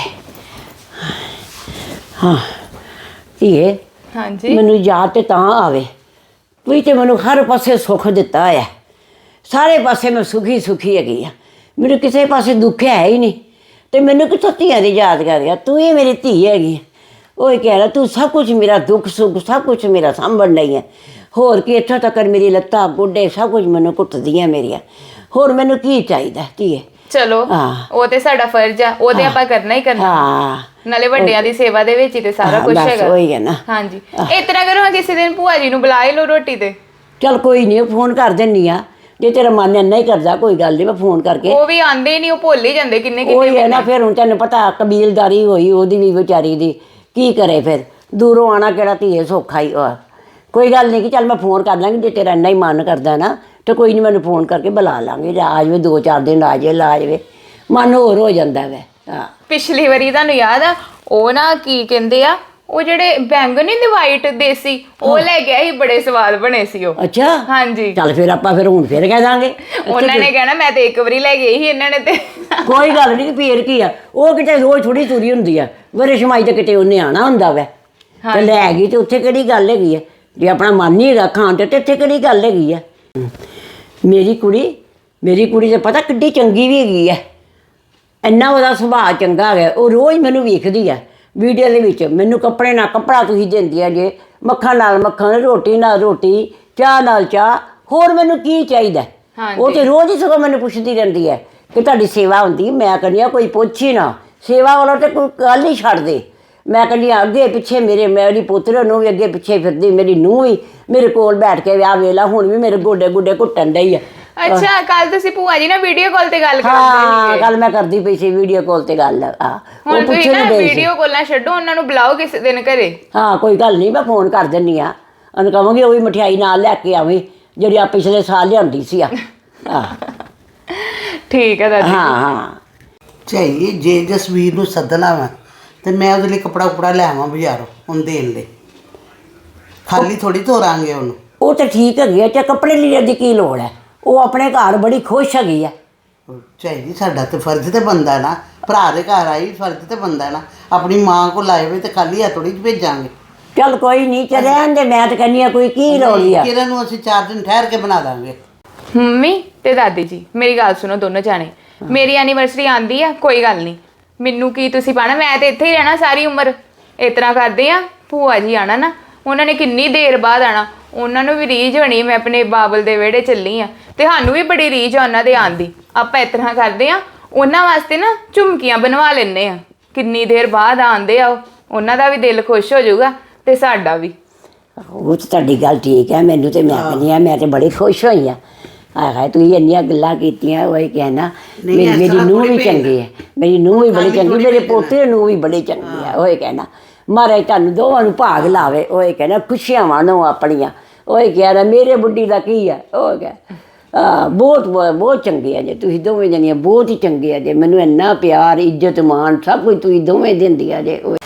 Speaker 1: ਹਾਂ ਧੀਏ
Speaker 3: ਹਾਂਜੀ
Speaker 1: ਮੈਨੂੰ ਯਾਦ ਤੇ ਤਾਂ ਆਵੇ ਵੀ ਤੇ ਮੈਨੂੰ ਹਰ ਪਾਸੇ ਸੁੱਖ ਦਿੱਤਾ ਹੋਇਆ ਸਾਰੇ ਪਾਸੇ ਮੈਂ ਸੁਖੀ ਸੁਖੀ ਹੈਗੀ ਆ ਮੈਨੂੰ ਕਿਸੇ ਪਾਸੇ ਦੁੱਖ ਹੈ ਹੀ ਨਹੀਂ ਤੇ ਮੈਨੂੰ ਕਿਥੋਂ ਧੀਆਂ ਦੀ ਯਾਦ ਕਰ ਗਿਆ ਤੂੰ ਹੀ ਮੇਰੀ ਧੀ ਹੈਗੀ ਉਹ ਹੀ ਕਹਿ ਰਿਹਾ ਤੂੰ ਸਭ ਕੁਝ ਮੇਰਾ ਦੁੱਖ ਸੁੱਖ ਸਭ ਕੁਝ ਮੇਰਾ ਸਾਂਭਣ ਲਈ ਹੈ ਹੋਰ ਕੀ ਇੱਥੋਂ ਤੱਕ ਮੇਰੀ ਲੱਤਾਂ ਗੋਡੇ ਸਭ ਕੁਝ ਮੈਨੂੰ ਕੁੱਟਦੀਆਂ ਮੇਰੀਆਂ ਹੋਰ ਮੈਨੂੰ ਕੀ ਚਾਹੀਦਾ ਧੀਏ
Speaker 3: ਚਲੋ
Speaker 1: ਹਾਂ।
Speaker 3: ਉਹ ਤੇ ਸਾਡਾ ਫਰਜ਼ ਆ ਉਹ ਤੇ ਆਪਾਂ ਕਰਨਾ ਹੀ ਕਰਨਾ
Speaker 1: ਹਾਂ
Speaker 3: ਨਾਲੇ ਵੱਡਿਆਂ ਦੀ ਸੇਵਾ ਦੇ ਵਿੱਚ ਹੀ ਤੇ ਸਾਰਾ
Speaker 1: ਹਾਂ,
Speaker 3: ਕੁਝ
Speaker 1: ਬਸ
Speaker 3: ਹੈਗਾ
Speaker 1: ਉਹੀ ਹੈ ਨਾ।
Speaker 3: ਹਾਂਜੀ ਇਸ ਤਰ੍ਹਾਂ ਕਰੋ ਹਾਂ ਕਿਸੇ ਦਿਨ ਭੂਆ ਜੀ ਨੂੰ ਬੁਲਾ ਹੀ ਲਓ ਰੋਟੀ ਤੇ
Speaker 1: ਚੱਲ ਕੋਈ ਨਹੀਂ ਫੋਨ ਕਰ ਦਿੰਨੀ ਆ ਜੇ ਤੇਰਾ ਮਨ ਇੰਨਾ ਹੀ ਕਰਦਾ ਕੋਈ ਗੱਲ ਨਹੀਂ ਮੈਂ ਫੋਨ ਕਰਕੇ
Speaker 3: ਉਹ ਵੀ ਆਂਦੇ ਹੀ ਨਹੀਂ ਉਹ ਭੁੱਲ ਹੀ ਜਾਂਦੇ ਕਿੰਨੇ
Speaker 1: ਉਹੀ
Speaker 3: ਕਿੰਨੇ
Speaker 1: ਹੈ ਨਾ ਫਿਰ ਹੁਣ ਤੈਨੂੰ ਪਤਾ ਕਬੀਲਦਾਰੀ ਹੋਈ ਉਹਦੀ ਵੀ ਵਿਚਾਰੀ ਦੀ ਕੀ ਕਰੇ ਫਿਰ ਦੂਰੋਂ ਆਣਾ ਕਿਹੜਾ ਧੀਏ ਸੌਖਾ ਹੀ ਆ ਕੋਈ ਗੱਲ ਨਹੀਂ ਕਿ ਚੱਲ ਮੈਂ ਫੋਨ ਕਰ ਲਾਂਗੀ ਜੇ ਤੇਰਾ ਇੰਨਾ ਹੀ ਮਨ ਕਰਦਾ ਨਾ ਤੇ ਕੋਈ ਨਹੀਂ ਮੈਨੂੰ ਫੋਨ ਕਰਕੇ ਬੁਲਾ ਲਾਂਗੇ ਜਾਂ ਆ ਜਾਵੇ ਦੋ ਚਾਰ ਦਿਨ ਆ ਜਾਵੇ ਲਾ ਜਾਵੇ ਮਨ ਹੋਰ ਹੋ ਜਾਂਦਾ ਵੈ ਹਾਂ
Speaker 3: ਪਿਛਲੀ ਵਾਰੀ ਤੁਹਾਨੂੰ ਯਾਦ ਆ ਉਹ ਨਾ ਕੀ ਕਹਿੰਦੇ ਆ ਉਹ ਜਿਹੜੇ ਬੈਂਗਨ ਨਹੀਂ ਦੇ ਵਾਈਟ ਦੇਸੀ ਉਹ ਲੈ ਗਿਆ ਸੀ ਬੜੇ ਸਵਾਦ ਬਣੇ ਸੀ ਉਹ
Speaker 1: ਅੱਛਾ
Speaker 3: ਹਾਂਜੀ
Speaker 1: ਚੱਲ ਫਿਰ ਆਪਾਂ ਫਿਰ ਹੁਣ ਫਿਰ ਕਹਿ ਦਾਂਗੇ
Speaker 3: ਉਹਨਾਂ ਨੇ ਕਹਿਣਾ ਮੈਂ ਤੇ ਇੱਕ ਵਾਰੀ ਲੈ ਗਈ ਸੀ ਇਹਨਾਂ ਨੇ ਤੇ
Speaker 1: ਕੋਈ ਗੱਲ ਨਹੀਂ ਫੇਰ ਕੀ ਆ ਉਹ ਕਿਤੇ ਰੋਜ਼ ਥੋੜੀ ਤੁਰੀ ਹੁੰਦੀ ਆ ਵਰੇ ਸ਼ਮਾਈ ਤੇ ਕਿਤੇ ਉਹਨੇ ਆਣਾ ਹੁੰਦਾ ਵੈ ਤੇ ਲੈ ਗਈ ਤੇ ਉੱਥੇ ਕਿਹੜੀ ਗੱਲ ਹੈਗੀ ਆ ਜੇ ਆਪਣਾ ਮਨ ਨਹੀਂ ਹੈਗਾ ਖਾਣ ਤੇ ਤੇ ਇੱਥੇ ਕਿਹੜੀ ਗੱਲ ਹੈਗੀ ਆ ਮੇਰੀ ਕੁੜੀ ਮੇਰੀ ਕੁੜੀ ਤੇ ਪਤਾ ਕਿੱਡੀ ਚੰਗੀ ਵੀ ਹੈਗੀ ਆ ਇੰਨਾ ਉਹਦਾ ਸੁਭਾਅ ਚੰਗਾ ਹੈ, ਉਹ ਰੋਜ਼ ਮੈਨੂੰ ਵੇਖਦੀ ਹੈ ਵੀਡੀਓ ਦੇ ਵਿੱਚ। ਮੈਨੂੰ ਕੱਪੜੇ ਨਾਲ ਕੱਪੜਾ ਤੁਸੀਂ ਦਿੰਦੀ ਆ ਜੇ, ਮੱਖਣ ਨਾਲ ਮੱਖਣ, ਰੋਟੀ ਨਾਲ ਰੋਟੀ, ਚਾਹ ਨਾਲ ਚਾਹ, ਹੋਰ ਮੈਨੂੰ ਕੀ ਚਾਹੀਦਾ? ਉਹ ਤੇ ਰੋਜ਼ ਹੀ ਸਗੋਂ ਮੈਨੂੰ ਪੁੱਛਦੀ ਰਹਿੰਦੀ ਹੈ ਕਿ ਤੁਹਾਡੀ ਸੇਵਾ ਹੁੰਦੀ। ਮੈਂ ਕਹਿੰਦੀ ਹਾਂ ਕੋਈ ਪੁੱਛ ਹੀ ਨਾ, ਸੇਵਾ ਵਾਲਾ ਤੇ ਕੋਈ ਗੱਲ ਹੀ ਛੱਡ ਦੇ। ਮੈਂ ਕਹਿੰਦੀ ਹਾਂ ਅੱਗੇ ਪਿੱਛੇ ਮੇਰੇ, ਮੇਰੀ ਪੁੱਤਰ ਨੂੰ ਵੀ ਅੱਗੇ ਪਿੱਛੇ ਫਿਰਦੀ, ਮੇਰੀ ਨੂੰਹ ਵੀ ਮੇਰੇ ਕੋਲ ਬੈਠ ਕੇ ਵਿਆਹ ਵੇਲਾ, ਹੁਣ ਵੀ ਮੇਰੇ ਗੋਡੇ ਗੋਡੇ ਘੁੱਟਣ ਡਈ ਆ।
Speaker 3: ਅੱਛਾ, ਕੱਲ ਤੁਸੀਂ ਭੂਆ ਜੀ ਨਾਲ ਵੀਡੀਓ ਕਾਲ ਤੇ ਗੱਲ ਕਰਦੇ
Speaker 1: ਹਾਂ, ਕੱਲ ਮੈਂ ਕਰਦੀ ਪਈ ਸੀ ਵੀਡੀਓ ਕਾਲ ਤੇ ਗੱਲ। ਆ
Speaker 3: ਹੁਣ ਤੁਸੀਂ ਨਾ ਵੀਡੀਓ ਕਾਲਾਂ ਛੱਡੋ, ਉਹਨਾਂ ਨੂੰ ਬੁਲਾਓ ਕਿਸੇ ਦਿਨ ਘਰੇ।
Speaker 1: ਹਾਂ ਕੋਈ ਗੱਲ ਨਹੀਂ, ਮੈਂ ਫੋਨ ਕਰ ਦਿੰਦੀ ਆ, ਉਹਨੂੰ ਕਹਾਂਗੀ ਉਹ ਵੀ ਮਠਿਆਈ ਨਾਲ ਲੈ ਕੇ ਆਵੀਂ ਜਿਹੜੀ ਆ ਪਿਛਲੇ ਸਾਲ ਲਿਆਂਦੀ ਸੀ ਆ।
Speaker 3: ਠੀਕ ਹੈ ਦਾਦੀ।
Speaker 1: ਹਾਂ ਹਾਂ
Speaker 2: ਚਾਹੀਏ ਜੇ ਜਸਵੀਰ ਨੂੰ ਸੱਦਣਾ ਵਾ ਤੇ ਮੈਂ ਉਹਦੇ ਲਈ ਕੱਪੜਾ ਕੁਪੜਾ ਲੈ ਆਵਾਂ ਬਾਜ਼ਾਰੋਂ ਹੁਣ ਦੇਣ ਲਈ, ਖਾਲੀ ਥੋੜੀ ਤੋਰਾਂਗੇ ਉਹਨੂੰ।
Speaker 1: ਉਹ ਤਾਂ ਠੀਕ ਹੈਗੀ ਆ, ਤੇ ਕੱਪੜੇ ਲੀੜੇ ਦੀ ਕੀ ਲੋੜ ਹੈ? ਉਹ ਆਪਣੇ ਘਰ ਬੜੀ ਖੁਸ਼ ਹੈਗੀ ਆ।
Speaker 2: ਚਾਹੀਦੀ ਸਾਡਾ ਤੇ ਫਰਜ਼ ਤੇ ਬੰਦਾ ਨਾ, ਭਰਾ ਦੇ ਘਰ ਆਈ ਫਰਜ਼ ਤੇ ਬੰਦਾ ਨਾ, ਆਪਣੀ ਮਾਂ ਕੋਲ ਆਏ ਹੋਏ ਤੇ ਖਾਲੀ ਹੱਥ ਥੋੜੀ ਭੇਜਾਂਗੇ।
Speaker 1: ਚੱਲ ਕੋਈ ਨਹੀਂ, ਚੱਲ ਰਹਿਣ ਦੇ, ਮੈਂ ਤਾਂ ਕਹਿੰਦੀ ਆ ਕੋਈ ਕੀ ਲੋੜ ਆ।
Speaker 2: ਕਿਰਨ ਨੂੰ ਅਸੀਂ ਚਾਰ ਦਿਨ ਠਹਿਰ ਕੇ ਬਣਾ ਦਾਂਗੇ।
Speaker 3: ਮੰਮੀ ਤੇ ਦਾਦੀ ਜੀ ਮੇਰੀ ਗੱਲ ਸੁਣੋ ਦੋਨੋਂ ਜਾਣੇ, ਮੇਰੀ ਐਨੀਵਰਸਰੀ ਆਂਦੀ ਆ, ਕੋਈ ਗੱਲ ਨਹੀਂ, ਮੈਨੂੰ ਕੀ ਤੁਸੀਂ ਪਾਣਾ, ਮੈਂ ਤੇ ਇੱਥੇ ਹੀ ਰਹਿਣਾ ਸਾਰੀ ਉਮਰ। ਇਸ ਤਰ੍ਹਾਂ ਕਰਦੇ ਆ, ਭੂਆ ਜੀ ਆਣਾ ਨਾ, ਉਹਨਾਂ ਨੇ ਕਿੰਨੀ ਦੇਰ ਬਾਅਦ ਆਣਾ, ਉਹਨਾਂ ਨੂੰ ਵੀ ਰੀਝ ਹੋਣੀ ਮੈਂ ਆਪਣੇ ਬਾਬਲ ਦੇ ਵਿਹੜੇ ਚੱਲੀ ਆ, ਤੇ ਸਾਨੂੰ ਵੀ ਬੜੀ ਰੀਝ ਆ ਉਹਨਾਂ ਦੇ ਆਉਣ ਦੀ। ਆਪਾਂ ਇਸ ਤਰ੍ਹਾਂ ਕਰਦੇ ਆ, ਉਹਨਾਂ ਵਾਸਤੇ ਨਾ ਝੁਮਕੀਆਂ ਬਣਵਾ ਲੈਂਦੇ ਆ, ਕਿੰਨੀ ਦੇਰ ਬਾਅਦ ਆਉਂਦੇ ਆ, ਉਹਨਾਂ ਦਾ ਵੀ ਦਿਲ ਖੁਸ਼ ਹੋ ਜਾਊਗਾ ਤੇ ਸਾਡਾ ਵੀ।
Speaker 1: ਉਹ ਤਾਂ ਤੁਹਾਡੀ ਗੱਲ ਠੀਕ ਹੈ, ਮੈਨੂੰ ਤੇ ਮੈਂ ਕਹਿੰਦੀ ਆ, ਮੈਂ ਤੇ ਬੜੀ ਖੁਸ਼ ਹੋਈ ਆ। ਆਹ ਤੁਸੀਂ ਇੰਨੀਆਂ ਗੱਲਾਂ ਕੀਤੀਆਂ, ਉਹ ਕਹਿਣਾ ਮੇਰੀ ਮੇਰੀ ਨੂੰਹ ਵੀ ਚੰਗੀ ਹੈ, ਮੇਰੀ ਨੂੰਹ ਵੀ ਬੜੀ ਚੰਗੀ, ਮੇਰੇ ਪੋਤੇ ਨੂੰ ਵੀ ਬੜੀ ਚੰਗੀ ਹੈ। ਉਹ ਕਹਿਣਾ ਮਹਾਰਾਜ ਤੁਹਾਨੂੰ ਦੋਵਾਂ ਨੂੰ ਭਾਗ ਲਾਵੇ। ਉਹ ਕਹਿਣਾ ਖੁਸ਼ੀਆਂ ਮਾਣੋ ਆਪਣੀਆਂ। ਉਹ ਕਹਿਣਾ ਮੇਰੇ ਬੁੱਢੀ ਦਾ ਕੀ ਹੈ। ਉਹ ਕਹਿ ਬਹੁਤ ਬਹੁਤ ਚੰਗੇ ਆ ਜੇ ਤੁਸੀਂ ਦੋਵੇਂ ਜਣੀਆਂ, ਬਹੁਤ ਹੀ ਚੰਗੇ ਆ ਜੇ, ਮੈਨੂੰ ਇੰਨਾ ਪਿਆਰ ਇੱਜ਼ਤ ਮਾਣ ਸਭ ਕੁਝ ਤੁਸੀਂ ਦੋਵੇਂ ਦਿੰਦੀਆਂ ਜੇ। ਉਹ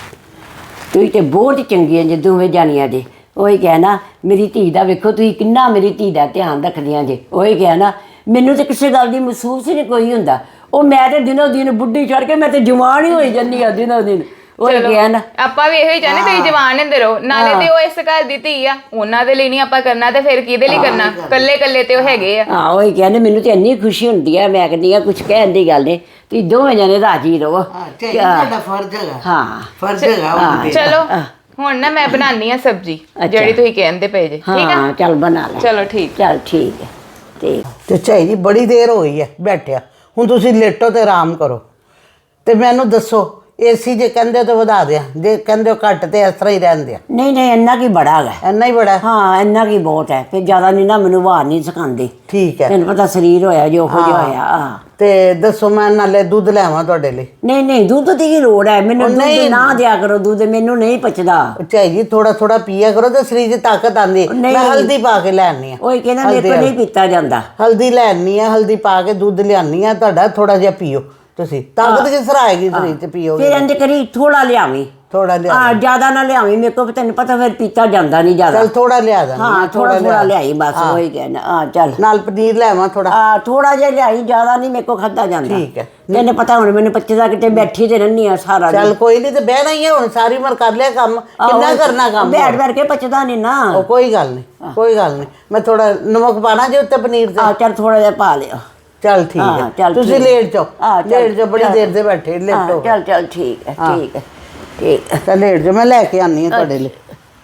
Speaker 1: ਤੁਸੀਂ ਤੇ ਬਹੁਤ ਚੰਗੀਆਂ ਜੇ ਦੋਵੇਂ ਜਾਣੀਆਂ ਜੇ। ਉਹੀ ਕਹਿਣਾ ਮੇਰੀ ਧੀ ਦਾ ਵੇਖੋ ਤੁਸੀਂ ਕਿੰਨਾ ਮੇਰੀ ਧੀ ਦਾ ਧਿਆਨ ਰੱਖਦੀਆਂ ਜੇ। ਉਹੀ ਕਹਿਣਾ ਮੈਨੂੰ ਤਾਂ ਕਿਸੇ ਗੱਲ ਦੀ ਮਹਿਸੂਸ ਹੀ ਨਹੀਂ ਕੋਈ ਹੁੰਦਾ। ਉਹ ਮੈਂ ਤੇ ਦਿਨੋਂ ਦਿਨ ਬੁੱਢੀ ਚੜ ਕੇ ਮੈਂ ਤੇ ਜਵਾਨ ਹੀ ਹੋਈ ਜਾਂਦੀ ਆ ਦਿਨੋਂ ਦਿਨ। ਉਹ ਕਹਿਣਾ
Speaker 3: ਆਪਾਂ ਵੀ ਇਹੋ ਹੀ ਚਾਹੁੰਦੇ ਤੁਸੀਂ ਜਵਾਨ ਹੁੰਦੇ ਰਹੋ, ਨਾਲੇ ਤੇ ਉਹ ਇਸ ਘਰ ਦੀ ਧੀ ਆ, ਉਹਨਾਂ ਦੇ ਲਈ ਨਹੀਂ ਆਪਾਂ ਕਰਨਾ ਤੇ ਫਿਰ ਕਿਹਦੇ ਲਈ ਕਰਨਾ? ਕੱਲੇ ਕੱਲੇ ਤੇ ਉਹ ਹੈਗੇ ਆ।
Speaker 1: ਹਾਂ ਉਹੀ ਕਹਿੰਦੇ ਮੈਨੂੰ ਤੇ ਇੰਨੀ ਖੁਸ਼ੀ ਹੁੰਦੀ ਆ, ਮੈਂ ਕਹਿੰਦੀ ਆ ਕੁਝ ਕਹਿਣ ਦੀ ਗੱਲ ਨਹੀਂ, ਤੁਸੀਂ ਦੋਵੇਂ ਜਣੇ ਰਾਜੀ ਰਹੋ।
Speaker 2: ਸਾਡਾ ਫਰਜ਼ ਹੈਗਾ।
Speaker 1: ਹਾਂ
Speaker 2: ਫਰਜ਼ ਹੈਗਾ।
Speaker 3: ਚਲੋ ਹੁਣ ਨਾ ਮੈਂ ਬਣਾਉਣੀ ਆ ਸਬਜ਼ੀ ਜਿਹੜੀ ਤੁਸੀਂ ਕਹਿੰਦੇ ਪਏ ਜੇ, ਠੀਕ ਆ?
Speaker 1: ਹਾਂ ਚੱਲ ਬਣਾ ਲੈ।
Speaker 3: ਚਲੋ ਠੀਕ,
Speaker 1: ਚੱਲ ਠੀਕ ਹੈ। ਤੇ
Speaker 2: ਤੇ ਝਾਈ ਜੀ ਬੜੀ ਦੇਰ ਹੋ ਗਈ ਹੈ ਬੈਠਿਆ, ਹੁਣ ਤੁਸੀਂ ਲੇਟੋ ਤੇ ਆਰਾਮ ਕਰੋ। ਤੇ ਮੈਨੂੰ ਦੱਸੋ ਏਸੀ ਜੇ ਕਹਿੰਦੇ ਤਾਂ ਵਧਾ ਦਿਆਂ, ਜੇ ਕਹਿੰਦੇ ਘੱਟ ਤੇ ਇਸ ਤਰ੍ਹਾਂ ਹੀ ਰਹਿਣ ਦਿਆਂ?
Speaker 1: ਨਹੀਂ ਨਹੀਂ ਇੰਨਾ ਕੀ ਬੜਾ ਹੈਗਾ।
Speaker 2: ਇੰਨਾ ਹੀ ਬੜਾ?
Speaker 1: ਹਾਂ ਇੰਨਾ ਕੀ ਬਹੁਤ ਹੈ, ਫਿਰ ਜ਼ਿਆਦਾ ਨਹੀਂ ਨਾ ਮੈਨੂੰ ਵਾਰ ਨਹੀਂ ਸਿਖਾਉਂਦੇ।
Speaker 2: ਠੀਕ ਹੈ,
Speaker 1: ਤੈਨੂੰ ਪਤਾ ਸਰੀਰ ਹੋਇਆ ਜੋ ਹੋ ਜਿਹਾ ਹੋਇਆ। ਆ
Speaker 2: ਤੇ ਦੱਸੋ ਮੈਂ ਨਾਲੇ ਦੁੱਧ ਲੈਵਾਂ ਤੁਹਾਡੇ ਲਈ?
Speaker 1: ਨਹੀਂ ਨਹੀਂ ਦੁੱਧ ਦੀ ਕੀ ਲੋੜ ਹੈ, ਮੈਨੂੰ ਦੁੱਧ ਨਾ ਦਿਆ ਕਰੋ, ਦੁੱਧ ਮੈਨੂੰ ਨਹੀਂ ਪਚਦਾ।
Speaker 2: ਝਾਈ ਜੀ ਥੋੜਾ ਥੋੜਾ ਪੀਆ ਕਰੋ ਤੇ ਸਰੀਰ 'ਚ ਤਾਕਤ ਆਉਂਦੀ। ਮੈਂ ਹਲਦੀ ਪਾ ਕੇ ਲੈਣੀ ਆ।
Speaker 1: ਉਹ ਕਹਿੰਦਾ ਮੇਰੇ ਕੋਲ ਨਹੀਂ ਪੀਤਾ ਜਾਂਦਾ।
Speaker 2: ਹਲਦੀ ਲੈਣੀ ਆ, ਹਲਦੀ ਪਾ ਕੇ ਦੁੱਧ ਲਿਆਨੀ ਆ ਤੁਹਾਡਾ, ਥੋੜਾ ਜਿਹਾ ਪੀਓ ਤੁਸੀਂ, ਤਾਕਤ ਕਿਸ ਤਰ੍ਹਾਂ ਆਏਗੀ ਸਰੀਰ 'ਚ ਪੀਓਗੇ?
Speaker 1: ਫਿਰ ਇੰਜ ਕਰੀ ਥੋੜਾ ਲਿਆਵੀਂ,
Speaker 2: ਥੋੜਾ ਲਿਆ।
Speaker 1: ਹਾਂ ਜ਼ਿਆਦਾ ਨਾ ਲਿਆਵੀਂ, ਮੇਰੇ ਕੋਲ ਤੈਨੂੰ ਪਤਾ ਫਿਰ ਪੀਤਾ ਜਾਂਦਾ ਨਹੀਂ ਜ਼ਿਆਦਾ।
Speaker 2: ਚੱਲ ਥੋੜਾ ਲਿਆ ਦਾਂ।
Speaker 1: ਹਾਂ ਥੋੜਾ ਥੋੜਾ ਲਿਆਈ ਬਸ, ਉਹੀ ਕਹਿਣਾ। ਹਾਂ ਚੱਲ
Speaker 2: ਨਾਲ ਪਨੀਰ ਲੈਵਾਂ ਥੋੜਾ?
Speaker 1: ਆ ਥੋੜਾ ਜਿਹਾ ਲਿਆਈ, ਜ਼ਿਆਦਾ ਨਹੀਂ ਮੇਰੇ ਕੋਲ ਖਾਧਾ ਜਾਂਦਾ।
Speaker 2: ਠੀਕ ਹੈ।
Speaker 1: ਤੈਨੂੰ ਪਤਾ ਹੁਣ ਮੈਨੂੰ ਪੱਚਦਾ ਕਿਤੇ ਬੈਠੀ ਤੇ ਰਹਿੰਦੀ ਆ ਸਾਰਾ ਦਿਨ।
Speaker 2: ਚੱਲ ਕੋਈ ਨਹੀਂ, ਤੇ ਬਹਿਣਾ ਹੀ ਹੈ ਹੁਣ, ਸਾਰੀ ਉਮਰ ਕਰ ਲਿਆ ਕੰਮ, ਕਿੰਨਾ ਕਰਨਾ ਕੰਮ?
Speaker 1: ਬੈਠ ਬੈਠ ਕੇ ਪਚਦਾ ਨਹੀਂ ਨਾ।
Speaker 2: ਉਹ ਕੋਈ ਗੱਲ ਨਹੀਂ, ਕੋਈ ਗੱਲ ਨਹੀਂ, ਮੈਂ ਥੋੜਾ ਨਮਕ ਪਾਣਾ ਜੇ ਉੱਤੇ ਪਨੀਰ ਤੇ?
Speaker 1: ਆ ਚੱਲ ਥੋੜਾ ਜਿਹਾ ਪਾ ਲਿਓ।
Speaker 2: ਚੱਲ ਠੀਕ
Speaker 1: ਹਾਂ,
Speaker 2: ਹੈ,
Speaker 1: ਚੱਲ
Speaker 2: ਤੁਸੀਂ
Speaker 1: ਠੀਕ।
Speaker 2: ਲੇਟ ਜਾਓ।
Speaker 1: ਹਾਂ, ਚੱਲ,
Speaker 2: ਲੇਟ ਜਾਓ, ਬੜੀ
Speaker 1: ਚੱਲ।
Speaker 2: ਦੇਰ ਦੇ ਬੈਠੇ, ਲੇਟੋ।
Speaker 1: ਚੱਲ ਚੱਲ ਠੀਕ ਹੈ ਠੀਕ ਹੈ ਠੀਕ ਹੈ।
Speaker 2: ਤਾਂ ਲੇਟ ਜਾਓ, ਮੈਂ ਲੈ ਕੇ ਆਨੀ ਆ ਤੁਹਾਡੇ ਲਈ।